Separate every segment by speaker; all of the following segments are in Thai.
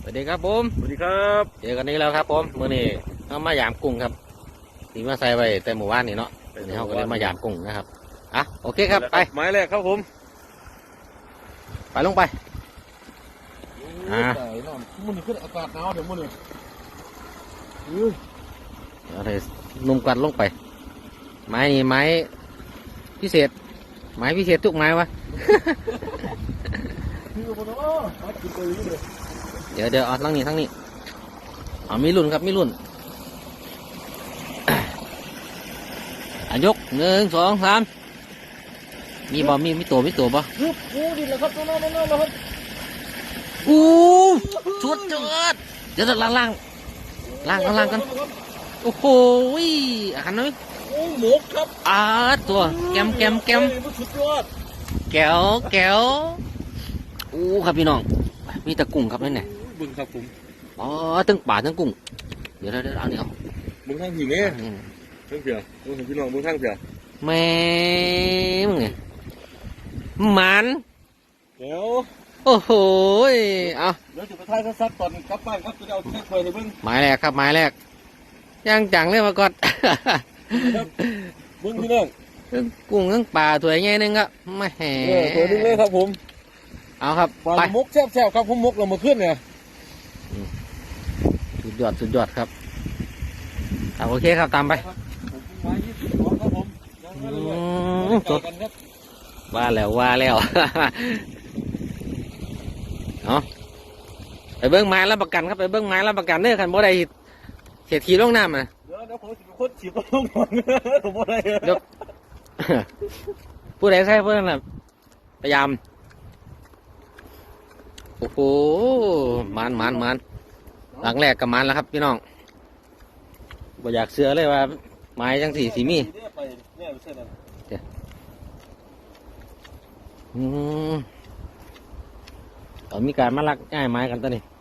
Speaker 1: สวัสดีครับผม
Speaker 2: สวัสดีครับ
Speaker 1: เจอกันนี้แล้วครับผมมื้อนี้เรามายามกุ้งครับนี่มาใส่ไว้แต่หมู่บ้านนี่เนาะนี่เขาก็เลยมายามกุ้งนะครับอ่ะโอเคครับไป
Speaker 2: ไม้แรกครับผม
Speaker 1: ไปลงไป
Speaker 2: มันขึ้นอากาศหนาวเดี๋ยวมันเลย
Speaker 1: อะไรนุ่มกัดลงไปไม้นี่ไม้พิเศษทุกไม้วะ เดี๋ยวเอาทั้งนี้เอามีรุ่นครับมีรุ่นยก1 2 3มีบ่มีตัวบ่
Speaker 2: อู้ดิแล้วครับน้องครับ
Speaker 1: อู้ชุดเจิดเดี๋ยวล่างกันโอ้โหหันหน่อย
Speaker 2: โอ้หมกครับ
Speaker 1: ตัวแกม
Speaker 2: สุดยอด
Speaker 1: แก้วอู้ครับพี่น้องมีตะกุ้งครับนี่เนี่ย
Speaker 2: บึงครับผม
Speaker 1: ตั้งป่าตั้งกุ้งเดี๋ยวเอาเนี่ย
Speaker 2: บึงทางหินเนี่ยทั้งเผียบึงพี่น้องบึงทางเผีย
Speaker 1: แม่มึงไงมัน
Speaker 2: เดี๋ยว
Speaker 1: โอ้โหเอา
Speaker 2: เดี๋ยวจะไปท้ายซัดตอนกลับบ้านครับจะเอาแค่ควยเลยบึง
Speaker 1: หมายแรกครับหมายแรกย่างจังเลยมาก่อน
Speaker 2: บึงพี่น้อง
Speaker 1: กุ้งทั้งป่าถวยใหญ่นึงครับไม่แห่
Speaker 2: ตัวนึงเลยครับผม
Speaker 1: เอาครับ
Speaker 2: ไปมกแซ่บครับผมมกเรามาขึ้นเนี่ย
Speaker 1: สุดยอดครับโอเคครับตามไปว่าแล้วเอาไปเบิ้งไม้รับประกันครับไปเบิ้งไม้รับประกันเด้อคันบ่ได้เสียทีลงน้ำนะ
Speaker 2: เดี๋ยวผมจะคนฉีดลงก่อนผมบ่ได้
Speaker 1: เดี๋ยวผู้ใดใช่เพื่อนน่ะพยายามโอ้โหมันหลังแรกกับมันแล้วครับพี่น้องบ่อยากเสือเลยว่าไม้จังสีมีตอนมีการมาลักง่ายไม้กันตัวนี้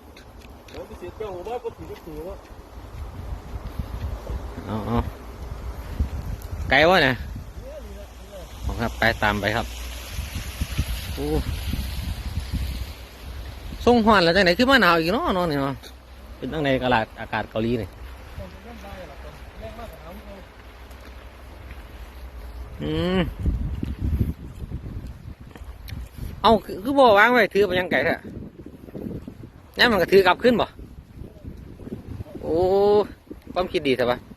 Speaker 1: เอาไกลวะเนี่ยครับไปตามไปครับโอ้ส่งหอนแล้วจังไหนขึ้นมาหนาวอีกเนาะนอนนี่เนาะเป็นตั้งในอากาศเกาหลีนี่เอาคือบ่วางไว้ถือไปยังไก่แท้นี่มันก็ถือกลับขึ้นบ่โอ้ความคิดดีใช่ปะ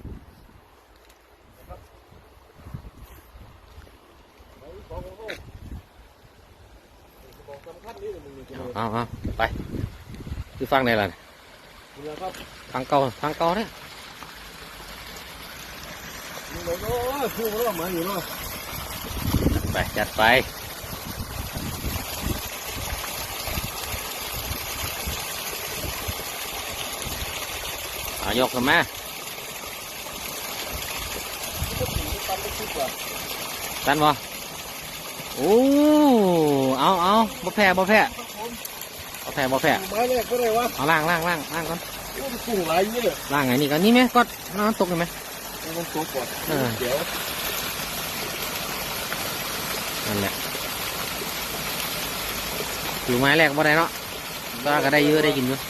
Speaker 1: เอาไปคือฟังไหนล่ะฟังเก่าเนี่ยไปจัดไปยกกันมาตันบ่โอ้เอาบ่แพ้
Speaker 2: มาแรกก็เลยวะ
Speaker 1: เอาล่างก่อน
Speaker 2: กุ้งหลายนี่เลย
Speaker 1: ล่างไงนี่กันนี่ไหมก็น้ำตกเลยไหม
Speaker 2: น้ำตกก่อนเดี๋ยว
Speaker 1: นั่นแหละอยู่ไม้แรกบ่ได้เนาะก็ได้เยอะได้กินอยู่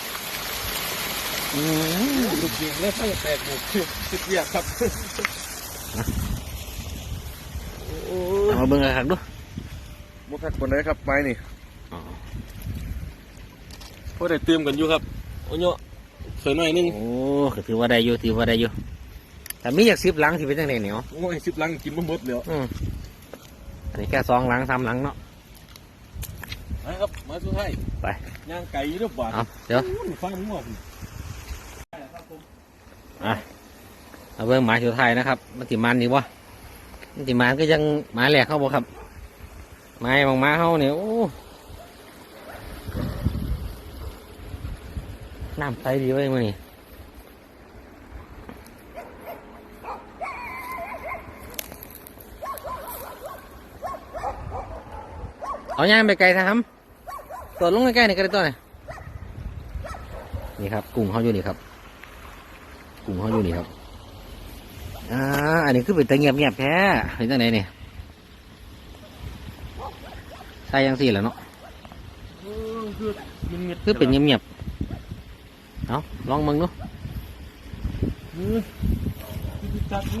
Speaker 2: ลูกยิงเล่นไม่แตกหมดสุดยอดครับ
Speaker 1: มาเบิ่งกันดู
Speaker 2: มุกทักคนไหนครับไม้นี่พอได้เติมกันอยู่ครับโอ้ยเคยหน่อยนึง
Speaker 1: โอ้ถือว่าได้อยู่แต่มีอยาก10 หลังที่เป็นจังได๋เนี่ย
Speaker 2: โอ้ย10 หลังกินบ่หมดแล้ว
Speaker 1: อันนี้แค่2 หลัง3 หลังเนาะ
Speaker 2: นะครับมาสุดท้าย
Speaker 1: ไป
Speaker 2: ย่างไก่หรือเปล่า
Speaker 1: เดี๋ยว
Speaker 2: ฟังมึงบอก
Speaker 1: เอาเบิ่งหมาสุดท้ายนะครับมันติมันนี่วะมันติมันก็ยังหมาแหลกเข้าบ่ครับไม้บางม้าเข้าเนี่ยโอ้น้ำใสดีไว้มื้อนี้เอาย่างไปไกลทำตัวลงใกล้ๆนี่ก็ได้ตัวไหนนี่ครับกุ้งเขาอยู่นี่ครับอันนี้คือเป็นตะเงียบแท้เห็นจังไหนเนี่ยใช่ยังสี่แล้วเนาะ
Speaker 2: คือมิดๆ
Speaker 1: คือเป็นเงียบๆเอาลองมึงดู
Speaker 2: พี่จัดดู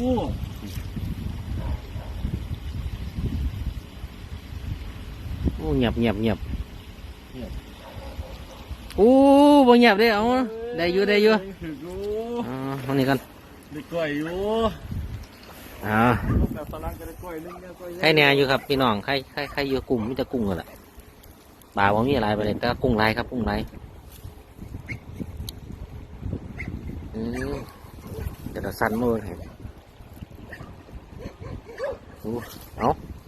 Speaker 1: โอ้เงียบโอ้บ่เงียบเด้เอาได้อยู่
Speaker 2: ถืออยู่
Speaker 1: อ๋อตรงนี้กัน
Speaker 2: ได้กล้วยอยู่ แบบฝรั่งก็ได้กล้วยนึงได้กล้วย
Speaker 1: ใครแหน่อยู่ครับพี่น้องใครอยู่กลุ่มมีแต่กุ้งกันแหละปลาบ่มีอะไรไปเลยแต่กุ้งลายครับกุ้งลายเดี๋ยวเราสั่นมือให้เอา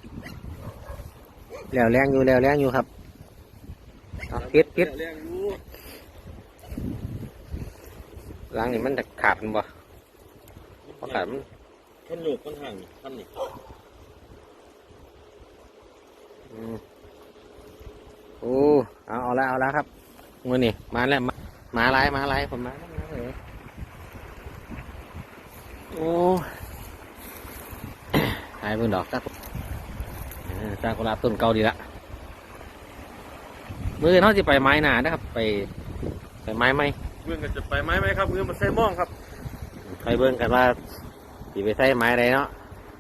Speaker 1: แล้วแรงอยู่ครับเอาปิด
Speaker 2: แรงอยู่
Speaker 1: ล้างนี่มันจะขาดมันบ่พอขาดมัน
Speaker 2: มันโยกมันห่างท่านนี่
Speaker 1: โอ้เอาแล้วครับมือนี่มาแล้วมาลายผมมาแล้วโอ้หายเบิ่งดอกซากุระต้นเก่าดีละมือเขาจะไปไม้หนานะครับไปไม้ไหม
Speaker 2: เพื่อนก็จะไปไม้ไหมครับเพื่อนมันใส่ม่องครับ
Speaker 1: ไปเบิ่งกันว่าสิไปใส่ไม้ใดเนาะ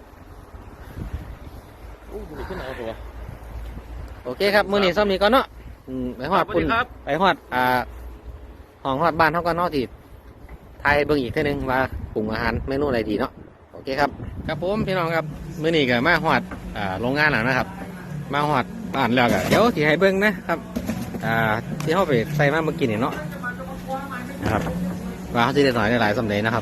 Speaker 2: โอ้ยขึ้นเอาตัว
Speaker 1: โอเคครับมือนี่ซ้อมนี้ก่อนเนาะไปฮอด
Speaker 2: สวัสดีครับ
Speaker 1: ไปฮอดห้องฮอดบ้านเขาก็เนาะที่ไทยเบิ่งอีกเท่านึงว่าปรุงอาหารเมนูอะไรดีเนาะโอเคครับครับผมพี่น้องครับมื้อนี้ก็มาฮอดโรงงานแล้วนะครับ มาฮอดบ้านแล้วก็เดี๋ยวที่ให้เบิ่งนะครับที่เขาไปใส่มาเมื่อกี้นี่เนาะนะครับว่าเขาจะได้หน่อยได้หลายสำเร็จนะครับ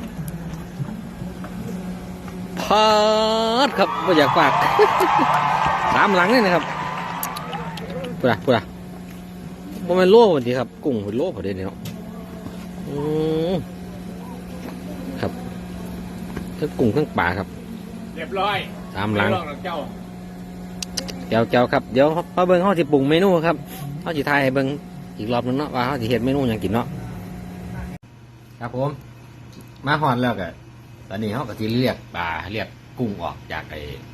Speaker 1: พอดครับไม่อยากฝาก ตามหลังนี่นะครับพูดอะบ่แม่นโล่พอดีครับกุ้งเป็นโล่พอดีเนาะครับทั้งกุ้งทั้งปลาครับ
Speaker 2: เรียบร้อย
Speaker 1: ตามหลัง
Speaker 2: เจ้า
Speaker 1: เจ้าครับเดี๋ยวพอเบิ่งเขาสิปรุงเมนูครับเขาสิทายให้เบิ่งอีกรอบนึงเนาะว่าเขาสิเฮ็ดเมนูหยังกินเนาะครับผมมาฮอดแล้วก็ตอนนี้เขาก็สิเรียกปลาเรียกกุ้งออกจาก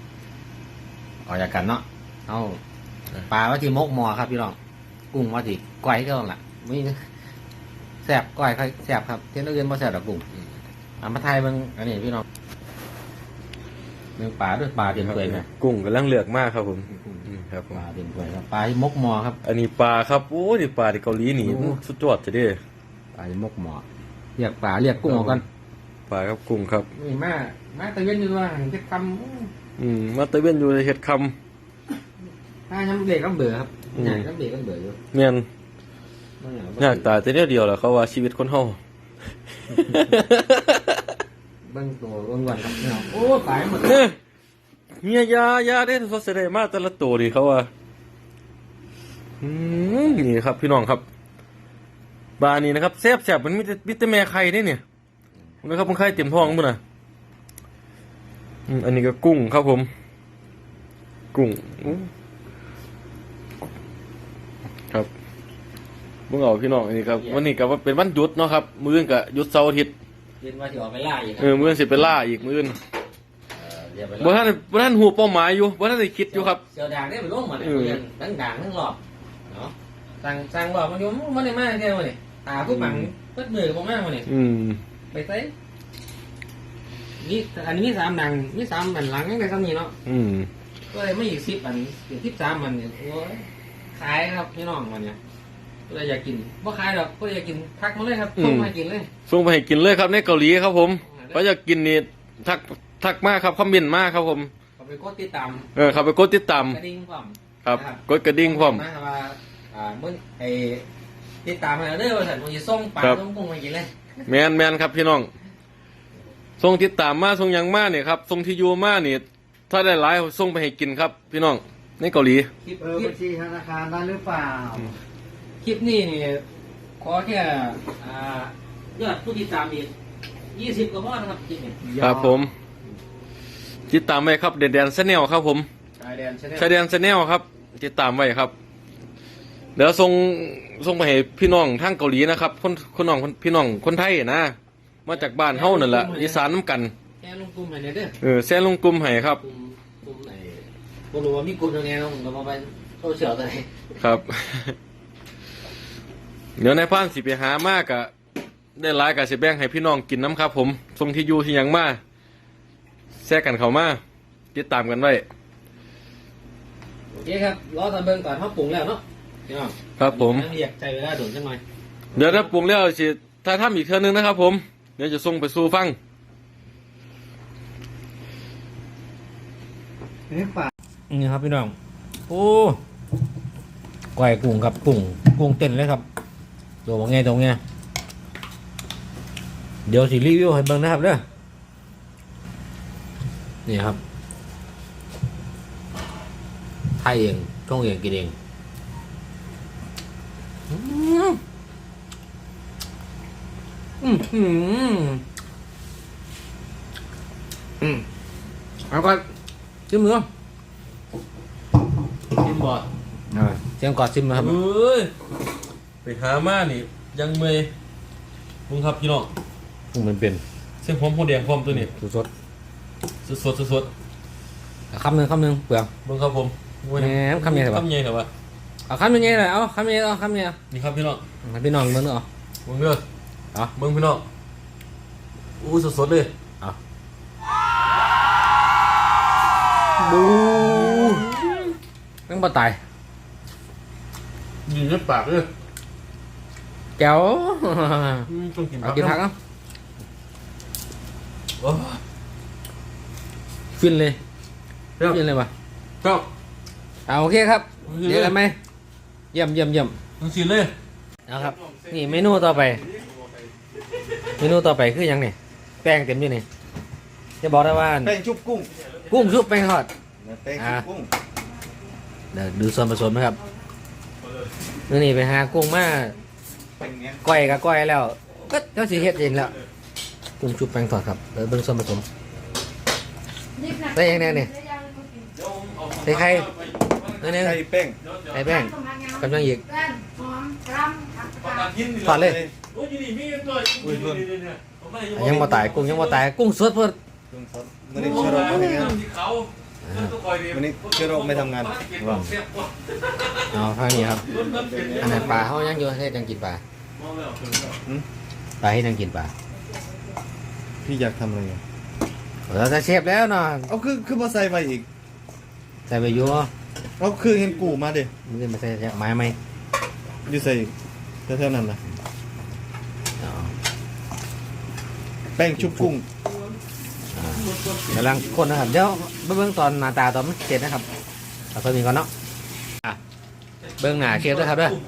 Speaker 1: กันเนาะเอาปลาว่าที่มกหมอครับพี่น้องกุ้งว่าที่ก้อยก็ล่ะมีแซ่บก้อยค่อยแซ่บครับเที่ยนอื่นบ่แซ่บดอกกุ้งมาทายเบิ่งอันนี้พี่น้องเบิ่งปลาด้วยปลาเต็มถ้วยไหม
Speaker 2: กุ้งกำลังเลือกมากครับผมครับผม
Speaker 1: ปลาเต็มถ้วยครับปลาที่มกหมอครับ
Speaker 2: อันนี้ปลาครับโอ้นี่ปลาที่เกาหลีนี่
Speaker 1: โอ้
Speaker 2: สุดยอดจะได้
Speaker 1: ปลาที่มกหมอเรียกปลาเรียกกุ้งออกกัน
Speaker 2: ปลาครับกุ้งครับ
Speaker 1: นี่มาตะเวนอยู่ว่าหันจะคำ
Speaker 2: มาตะเวนอยู่ในเห็ดค
Speaker 1: ถ้าย้ำเบรกก็เบื่อครับใหญ่ก็เบรกก็เบื่ออยู่
Speaker 2: ำเมียนยากตายแต่เดียวแหละเขาว่าชีวิตคนเฮา
Speaker 1: เบิ้งตัวเบิ้งวันครับพี่น้องโอ้ตายหมด
Speaker 2: เฮียยาได้ทศเสด็จมาแต่ละตัวดิเขาว่านี่ครับพี่น้องครับปลานี่นะครับแซ่บมันมีแต่แม่ไข่ได้เนี่ยนะครับมันไข่เต็มท้องมั้งนะอันนี้ก็กุ้งครับผม กุ้งครับเมื่อเอาพี่น้องอันนี้ครับวันนี้ก็ว่าเป็นวันหยุดเนาะครับมื้ออื่นก็หยุดเสาร์อาทิตย์
Speaker 1: เรียนว่าจะออกไปล่าอีกครั
Speaker 2: มื้ออื่นสิไปล่าอีกมื้ออื่น
Speaker 1: เรียนไป
Speaker 2: บ่
Speaker 1: ล่า
Speaker 2: ท่านหูเป้าหมายอยู่บ่ท่านได้คิดอยู่ครับ
Speaker 1: เสียวด่างได้ไปลงมาเลยเรียนทั้งด่างทั้งหลอบเนาะสั่งหลอบมันอยู่มันได้มากแค่ไหนตาผู้บังเปิดมือผมมากเลยไปใส่นี่อันนี้มี3 ดังมี3 อันหลังยังได้ซ้ำนี่เนาะก็เลยไม่อีก10 อันอีก13 อันเนี่ยโอ้ยขายครับพี่น้องวันเนี้ยก็เลยอยากกินบ่ขายดอกก็อยากกินทักมาเลยครับส่งมากินเลย
Speaker 2: ส่งไปให้กินเลยครับในเกาหลีครับผมเขาอยากกินนี่ทักมากครับคอมเมนต์มากครับผม
Speaker 1: เขาไปกดติดตาม
Speaker 2: เขาไปกดติดตาม
Speaker 1: กระดิ่งพร้อม
Speaker 2: ครับกดกระดิ่งพร้อม
Speaker 1: นะครับว่าเมื่อไอติดตามมาเด้อว่าสันมันจะส่งปลาส่งกุ้งมากินเลย
Speaker 2: แมนครับพี่น้องส่งติดตามมาส่งหยังมาเนี่ยครับส่งที่อยู่มาเนี่ยถ้าได้หลายส่งไปให้กินครับ พี่น้องในเกาหลี
Speaker 1: คลิป
Speaker 3: บัญชีธนาคารได้หรือเปล่า
Speaker 1: คลิปนี้นี่ขอแค่ยอดผู้ติดตามอีก20 กว่าพอนะครับคลิปนี้
Speaker 2: ครับผมติดตามไว้ครับเดนแดนแนลครับผม
Speaker 1: ชายแดน
Speaker 2: ชายแดนแนลครับติดตามไว้ครับเดี๋ยวส่งไปให้พี่น้องทางเกาหลีนะครับคนน้องพี่น้องคนไทยนะมาจากบ้านเฮานั่นแหละอีสานน้ำกัน
Speaker 1: แค่ลงกลุ่มให้เด้อ
Speaker 2: แซ่ลงกลุ่มให้ครับ
Speaker 1: กลุ่มไหนบ่รู้ว่ามีกลุ่มยังไงเนาะผมก็มาไปโซเชียลตัวไหน
Speaker 2: ครับเดี๋ยวนายพรานสิไปหามากะได้หลายกะสิแบ่งให้พี่น้องกินน้ำครับผมทรงที่อยู่ที่หยังมาแทรกกันเข้ามาติดตามกันไว้
Speaker 1: โอเคครับรอตอนเบิ่งก่อนเขาปรุงแล้วเนาะพี่น้อง
Speaker 2: ครับผม
Speaker 1: เรียกใจเวลาโดนจังหน่อย
Speaker 2: เดี๋ยวถ้าปรุงแล้วสิถ้าทำอีกเทื่อนึงนะครับผมเดี๋ยวจะส่งไปสู่ฟัง
Speaker 3: นี่ป่า
Speaker 1: นี่ครับพี่น้องโอ้ก้อยกุ้งครับกุ้งเต้นเลยครับตัวว่าไงตรงเนี้ยเดี๋ยวสิรีวิวให้เบิ่งนะครับเด้อนี่ครับไทยเองช่องเองกินเองเอาก่อนชิมมือชิมบอดเสียงกอดชิมนะครับ
Speaker 2: เอ้ยไปหามานี่ยังเมย์มึงครับพี่น้อง
Speaker 1: มันเป็น
Speaker 2: เส้นผมโพแดงพร้อมตัวนี้
Speaker 1: สด
Speaker 2: สด
Speaker 1: คำหนึ่งเปลือก
Speaker 2: มึงครับผมโอ้ย
Speaker 1: แหมคำใหญ่เหรอวะ
Speaker 2: คำใหญ่เหรอวะ
Speaker 1: เอาคำยังไงเลยเอาคำยังไงเอาคำยังไง
Speaker 2: นี่ครับพี่น้อง
Speaker 1: ให้พี่น้องเบิ่งเนาะ
Speaker 2: มึงเด้อ
Speaker 1: เอา
Speaker 2: มึงพี่น้องอู้สดเลย
Speaker 1: บูต้องบ่ตาย
Speaker 2: ยิงในปากเลย
Speaker 1: แก้ว
Speaker 2: ต้องกิน
Speaker 1: เอากินผักเนาะ
Speaker 2: โอ้
Speaker 1: ฟินเลย
Speaker 2: ครับ
Speaker 1: ฟินเลยว่ะ
Speaker 2: ครับ
Speaker 1: เอาโอเคครับเดี๋ยวกันไหมเยี่ยม
Speaker 2: มึงสิเลย
Speaker 1: เอาครับนี่เมนูต่อไปคือหยังนี่แป้งเต็มอยู่นี่จะบอกได้ว่า
Speaker 3: แป้งชุบกุ้ง
Speaker 1: กุ้งชุบแป้งทอด
Speaker 3: แป้งชุบกุ้ง
Speaker 1: เดี๋ยวดูส่วนผสมนะครับนี่ไปหากุ้งมา
Speaker 3: เป็นเงี้ย
Speaker 1: ก้อยกับก้อยแล้วก็เจ้าสีเฮ็ดเองแล้วกุ้งชุบแป้งทอดครับเดี๋ยวเบิ่งส่วนผสมใส่ยังไงเนี่ยใส่ไข่เนี่ย
Speaker 3: ไข่แป้ง
Speaker 1: ใส่แป้งกำลังอีก
Speaker 4: หอมกรำ
Speaker 1: ทอดเลย
Speaker 2: โอ้ยนี่มีตัว
Speaker 3: อุ้ยเพิ่น
Speaker 1: ยังบ่ตายกุ้งยังบ่ตายกุ้งสดเพิ่น
Speaker 3: กุ้งสดมันนี่เชื้อโรคไม่ทำงานมันนี่เชื้อโรคไม่ทำงานว่า
Speaker 1: เอาทางนี้ครับอันนั้นปลาเฮายังอยู่ให้จังกินปลาปลาให้จังกินปลา
Speaker 3: พี่อยากทำอะไรอ่ะ
Speaker 1: เราจะเชฟแล้วเนาะ
Speaker 3: เอาคือมาใส่ไปอีก
Speaker 1: ใส่ไปอยู่
Speaker 3: เอาคือเห็นกูมาดิ
Speaker 1: มันจะมาใส่ไม้ไหม
Speaker 3: อยู่ใส่อีกแถวๆนั้นนะ
Speaker 1: เอา
Speaker 3: แป้งชุบกุ้ง
Speaker 1: กำลังคนนะครับเดี๋ยวเบิ่งตอนหน้าตาตอนมันเสร็จนะครับเอาตัวนี้ก่อนเนาะอ่ะเบิ่งหน้าเชฟด้วยครับเด้อ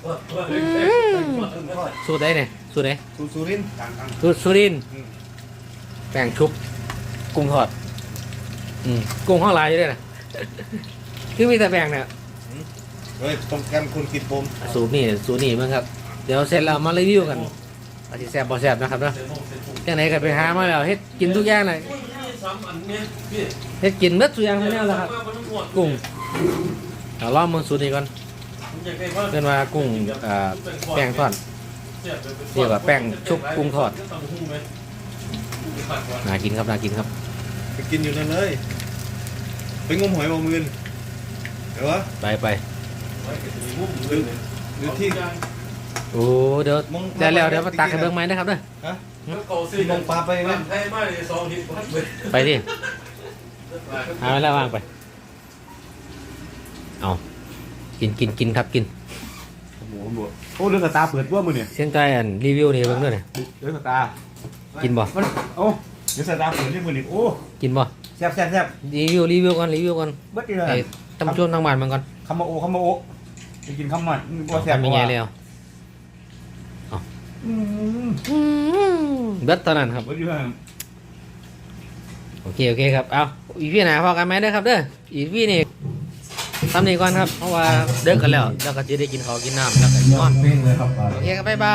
Speaker 1: สูตรใดเนี่ยสูตรไหน
Speaker 3: สุรินทร์
Speaker 1: สุรินทร์แป้งชุบกุ้งทอดกุ้งห้องลายอยู่ด้วยนะ คือมีแต่แป้งเนี่ย
Speaker 3: เฮ้ยต้องการคนกินผม
Speaker 1: สูตรนี่มั้งครับเดี๋ยวเสร็จแล้วมารีวิวกันอาจจะแซ่บบ่แซ่บนะครับเนาะจังไหนก็ไปหามาแล้วเฮ็ดกินทุกอย่างเลยเฮ็ดกินเบิดทุกอย่างทั้งนั้นแหละครับกุ้งเอาลองมือสูตรนี้ก่อนเรียกว่ากุ้งแป้งทอดเรียกว่าแป้งชุบกุ้งทอดน่ากินครับ
Speaker 3: ไปกินอยู่นั่นเลยไปงมหอยบมือนเดี๋ยววะ
Speaker 1: ไป
Speaker 3: หรือที่
Speaker 1: โอ้เดี๋ยว
Speaker 3: มอง
Speaker 1: ได้แล้วเดี๋ยวมาตักให้เบิ่งไหมนะครับเด้อ
Speaker 3: ฮะที่มองปลาไปไหม
Speaker 1: ไปดิเอาไว้แล้ววางไปเอากินครับกิน
Speaker 5: โอ้เรื่องกระตาเปิดว่ามือเนี่ย
Speaker 1: เสียงใจอันรีวิวนี่เบิ่งด้วยนี่
Speaker 5: เรื่องกระตา
Speaker 1: กินบ่
Speaker 5: มันโอ้เรื่องกระตาเปิดที่มือนี่โอ้
Speaker 1: กินบ่
Speaker 5: แซ่บแซ่บแซ่บ
Speaker 1: รีวิวก่อน
Speaker 5: เบิดดีเลย
Speaker 1: ไอ้ตำช่วงทางบ้านมันก่อน
Speaker 5: คำมาโอไปกินคำมันว่าแซ่บ
Speaker 1: ทำยังไงแล้ว
Speaker 5: อืม
Speaker 1: เบิดตอนนั้นครับ
Speaker 5: เบิดดีเลย
Speaker 1: โอเคครับเอาอีพี่หนาพอกันไหมเด้อครับเด้ออีพี่นี่ทำนี่ก่อนครับเพราะว่าเดิกกันแล้วก็จะได้กินข้าวกินน้ำแล้วก็นอน
Speaker 5: เพ่งเลยครับ
Speaker 1: โอเคครับบ๊ายบาย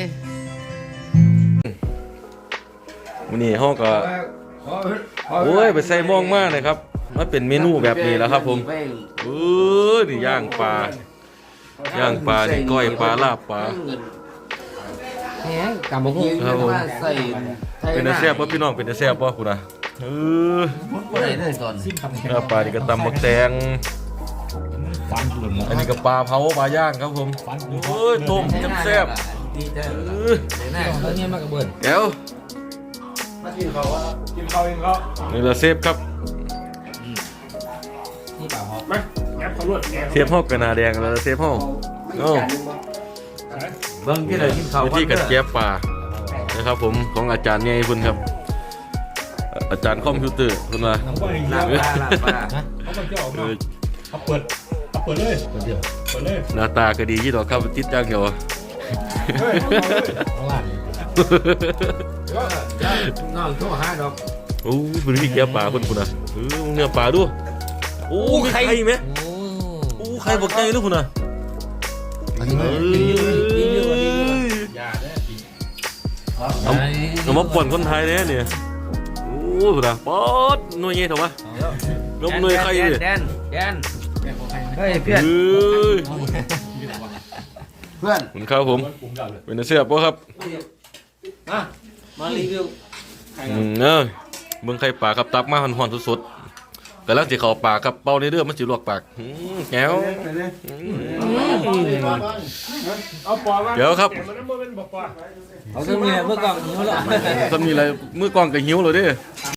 Speaker 2: วันนี้ห้องก็โอ้ยไปใส่ม่วงมากเลยครับมันเป็นเมนูแบบนี้แล้วครับผมนี่ย่างปลานี่ก้อยปลาลาบปลา
Speaker 1: แหงกำบักหุ่ง
Speaker 2: ครับผม
Speaker 1: ใส่ไทย
Speaker 2: เป็นอาแซ่บป่ะพี่น้องเป็นอาแซ่บป่ะคุณนะ
Speaker 1: บ่ได้เลยตอน
Speaker 2: ลาบปลานี่ก็ตำบักแตง
Speaker 5: ฟันหลุด
Speaker 2: อันนี้ก็ปลาเผาปลาย่างครับผมโอ้ยต้มแซ่บ
Speaker 1: ดีแต่หน้าเขาเนี่ยมากกระเบิด
Speaker 2: ๆแก้ว
Speaker 5: กินเขาเองเขา
Speaker 2: นี่ละเซฟครับ
Speaker 1: นี่เปล่าฮอ
Speaker 5: ไหมแกเขาลวดแก
Speaker 2: เซฟห้องกระนาแดงแล้วเซฟห้องโอ้
Speaker 1: เบิ้งที่ไหนกินข้าว
Speaker 2: วิธีกัดแก้ปลานะครับผมของอาจารย์เนี่ยคุณครับ อาจารย์คอมพิวเตอร์คุณว่า
Speaker 5: เขาเอง
Speaker 1: ลา
Speaker 5: เขา
Speaker 1: บปลา
Speaker 5: เขาเจ้าออกมาเขาเปิดเลยเปิดเลย
Speaker 2: หน้าตาก็ดีที่ดอกครับติดจ้างเกี่ยว
Speaker 5: เฮ้ย
Speaker 1: ข้างล่างนอกชั่วห้าดอก
Speaker 2: โอ้เป็นวิธีแก้ปลาคุณนะเนื้อปลาดูโอ้มีไข่ไหมโอ้ไข่บกไก่ด้วยคุณนะ
Speaker 1: อันนี้ดีเยอะกว่านี้
Speaker 2: เอามาป่อนคนไทยเนี่ยโอ้คุณนะป๊อดหน่วยเงี้ยถูกปะนมหน่วยไข่เลย
Speaker 1: แดนเฮ้ยเพื่อน
Speaker 2: เพื่อนคุณครับผมเป็นเสื้อปะครับ
Speaker 1: มารีวิว
Speaker 2: เมืองไข่ปลาครับตักมาหอนๆสดๆกำลังจะเข้าปากครับเป่าในเรือมันสิลวกปากแก้ว
Speaker 5: เอาปอมา
Speaker 2: เดี๋ยวครับ
Speaker 5: มันไม่เป็นบอกปอ
Speaker 1: เอาเครื่องมือเมื่อก่อนนี้เขาหรอ
Speaker 2: ทำนี่อะไรมือกองกับหิวเลยดิ